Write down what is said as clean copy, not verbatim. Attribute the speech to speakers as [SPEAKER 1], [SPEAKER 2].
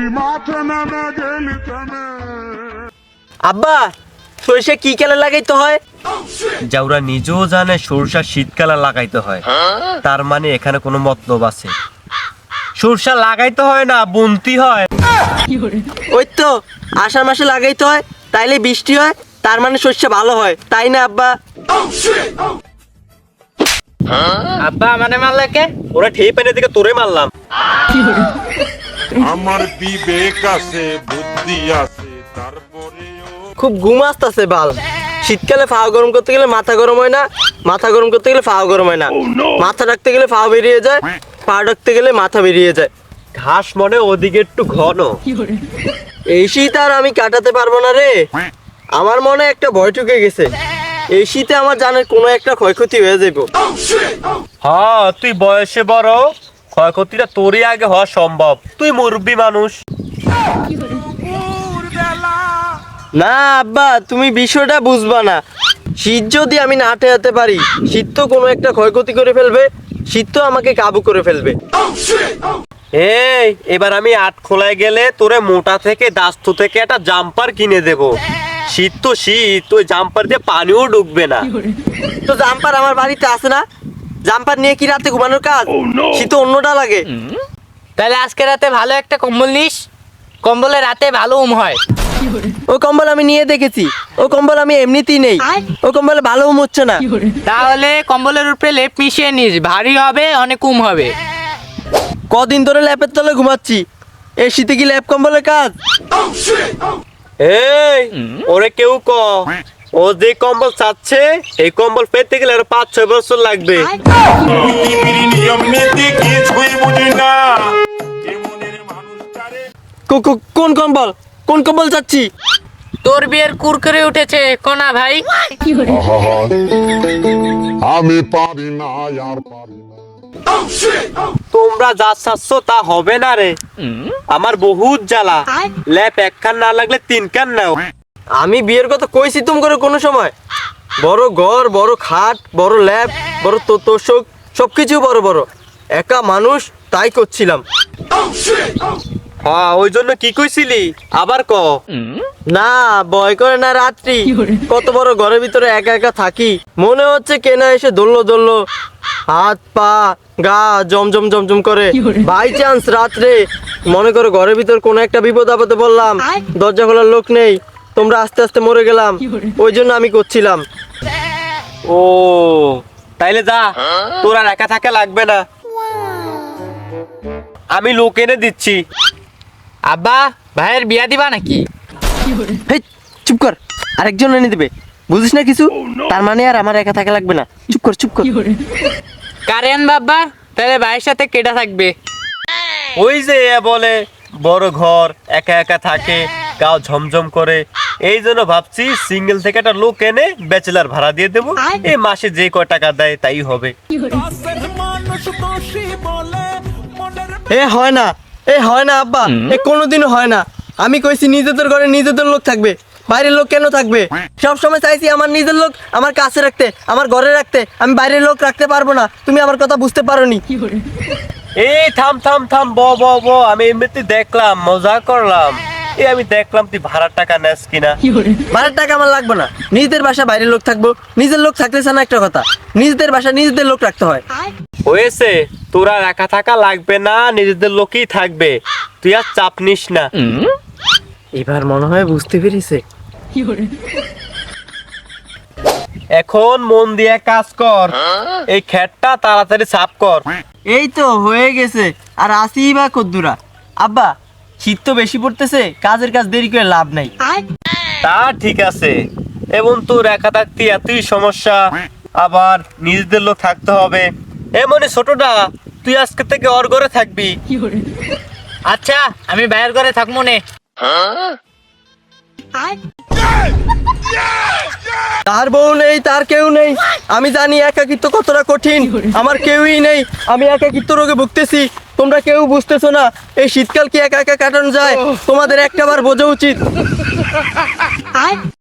[SPEAKER 1] আব্বা সরিষা কি কালে লাগাইতে হয়?
[SPEAKER 2] যাওরা নিজেও জানে সরষা শীতকালে লাগাইতে হয়, তার মানে এখানে কোনো মতলব আছে। সরষা লাগাইতে হয় না, বুনতি হয়।
[SPEAKER 1] ওই তো আষাঢ় মাসে লাগাইতে হয়, তাইলে বৃষ্টি হয়, তার মানে শস্য ভালো হয়, তাই না আব্বা?
[SPEAKER 3] আব্বা মানে মারলে কে?
[SPEAKER 2] ওরা ঠিক পেনে দিকে তোরে মারলাম।
[SPEAKER 4] আমার বিবেক আছে, বুদ্ধি আছে, তারপরেও
[SPEAKER 1] খুব ঘুম আসতেছে বাল। শীতকালে ফাও গরম করতে গেলে মাথা গরম হয় না, মাথা গরম করতে গেলে ফাও গরম হয় না, মাথা ডাকতে গেলে ফাও বেরিয়ে যায়, পা ডাকতে গেলে মাথা বেরিয়ে যায়।
[SPEAKER 2] ঘাস মনে ওদিকে একটু ঘন।
[SPEAKER 1] এই শীত আর আমি কাটাতে পারবো না রে। আমার মনে একটা ভয় ঢুকে গেছে, এই শীতে আমার জানের কোনো একটা ক্ষয়ক্ষতি হয়ে যাবো।
[SPEAKER 2] হ্যাঁ, তুই বয়সে বড়, ক্ষয়ক্ষতিটা তোরই আগে হওয়া সম্ভব। তুই মুরব্বী মানুষ।
[SPEAKER 1] না আব্বা, তুমি বিষয়টা বুঝবা না। শীত যদি আমি না ঠেকাতে পারি, শীত তো কোনো একটা ক্ষয়ক্ষতি করে ফেলবে, শীত তো আমাকে কাবু করে ফেলবে।
[SPEAKER 2] এই এবার আমি আট খোলায় গেলে তোরে মোটা থেকে দাস্তু থেকে একটা জাম্পার কিনে দেব। শীত তো শীত, ওই জাম্পার দিয়ে পানিও ঢুকবে না।
[SPEAKER 1] তো জাম্পার আমার বাড়িতে আছে না, জাম্পার নিয়ে কি রাতে ঘুমানোর কাজ? শীত অন্যটা লাগে।
[SPEAKER 3] তাহলে আজকে রাতে ভালো একটা কম্বল নিস, কম্বলে রাতে ভালো হয়।
[SPEAKER 1] ও কম্বল আমি নিয়ে দেখেছি, ও কম্বল আমি এমনিতেই নেই, ও কম্বলে ভালো হচ্ছে না।
[SPEAKER 3] তাহলে কম্বলের উপরে লেপ মিশিয়ে নিস, ভারী হবে, অনেক হবে।
[SPEAKER 1] কদিন ধরে ল্যাপের তলে ঘুমাচ্ছি, এই শীতে কি ল্যাপ কম্বলের কাজ?
[SPEAKER 2] এই ওরে কেউ ক, ও যে কম্বল চাচ্ছে এই কম্বল পেতে গেলে আরো 5-6 বছর লাগবে।
[SPEAKER 4] পৃথিবীর নিয়ম নীতি কিছুই বুঝি না। এমনের মানুষটারে
[SPEAKER 1] কোন কম্বল, কোন কম্বল চাচ্ছি?
[SPEAKER 3] তোর বিয়ের কুরকুরে উঠেছে কোনা ভাই।
[SPEAKER 4] আমি পারি না, আর পারি না।
[SPEAKER 2] তোমরা যা চাচ্ছ তা হবে না রে, আমার বহুত জ্বালা। ল্যাপ এক কান না লাগলে 3 কান নাও।
[SPEAKER 1] আমি বিয়ের কথা কইছি তুম করে কোনো সময়? বড় ঘর, বড় খাট, বড় ল্যাপ, বড় তোষক, সবকিছু বড় বড়। একা মানুষ, তাই করছিলাম।
[SPEAKER 2] হ্যাঁ, ওই জন্য কি কইছিলি আবার ক।
[SPEAKER 1] না ভয় করে না, রাত্রি কত বড় ঘরের ভিতরে একা একা থাকি, মনে হচ্ছে কেনা এসে দৌড়লো, হাত পা গা জমজম জমজম করে। বাই চান্স রাত্রে মনে করো ঘরের ভিতর কোনো একটা বিপদ আপদে বললাম, দরজা খোলার লোক নেই, তোমরা আস্তে আস্তে মরে গেলাম, ওই জন্য আমি করছিলাম।
[SPEAKER 2] ও তাইলে যা, তোর আর একা থাকা লাগবে না, আমি লোক এনে দিচ্ছি।
[SPEAKER 3] আব্বা ভাইয়ের বিয়া দিবা নাকি?
[SPEAKER 1] হেই, চুপ কর, আরেকজন এনে দিবে, বুঝিস না কিছু? তার মানে আর আমার একা থাকা লাগবে না, চুপ কর চুপ কর।
[SPEAKER 3] কারেন বাবা, তাহলে ভাইয়ের সাথে কেটা থাকবে?
[SPEAKER 2] ওই যে এ বলে বড় ঘর, একা একা থাকে, গাও ঝমঝম করে, এই জন্য ভাবছি সিঙ্গেল থেকে একটা লোক এনে ব্যাচেলার ভাড়া দিয়ে দেবো। এই মাসে যে কয় টাকা দেয় তাই হবে।
[SPEAKER 1] এ হয় না, এ হয় না আব্বা, এ কোনোদিনও হয় না। আমি কইছি নিজেদের ঘরে নিজেদের লোক থাকবে, বাইরের লোক কেন থাকবে? সব সময় চাইছি আমার নিজের লোক আমার কাছে রাখতে, আমার ঘরে রাখতে, আমি বাইরের লোক রাখতে পারবো না। তুমি আমার কথা বুঝতে পারোনি।
[SPEAKER 2] এই থাম থাম থাম, ব ব ব, আমি এমনিতে দেখলাম, মজা করলাম। এই আমি দেখলাম তুই ভাড়ার টাকা নেস কিনা।
[SPEAKER 1] ভাড়ার টাকা আমার লাগবে না, নিজেদের বাসা বাইরের লোক থাকবো, নিজের লোক থাকতেছে না একটা কথা, নিজেদের বাসা নিজেদের লোক রাখতে হয়।
[SPEAKER 2] হয়েছে, তোরা একা থাকা লাগবে না, নিজেদের লোকই থাকবে, তুই আর চাপ নিস না।
[SPEAKER 1] এবার মনে হয় বুঝতে পেরেছে।
[SPEAKER 2] এখন মন দিয়ে কাজ কর, এই খেটটা তাড়াতাড়ি সাফ কর।
[SPEAKER 1] এই তো হয়ে গেছে, আর আসি বা কদ্দুরা। আব্বা শীত তো বেশি পড়তেছে, কাজের কাজ দেরি করে লাভ নাই।
[SPEAKER 2] তা ঠিক আছে, এবং তোর একা থাকতে এতই সমস্যা, আবার নিজেদের লোক থাকতে হবে। এমনি ছোটটা, তুই আজকে থেকে ওর ঘরে থাকবি।
[SPEAKER 3] আচ্ছা আমি ভাইয়ের ঘরে থাকবো নে।
[SPEAKER 1] তার বউ নেই, তার কেউ নেই, আমি জানি একাকিত্ব কতটা কঠিন, আমার কেউই নেই, আমি একাকিত্ব রোগে ভুগতেছি, তোমরা কেউ বুঝতেছো না। এই শীতকাল কি একা একা কাটানো যায়? তোমাদের একটাবার বোঝা উচিত।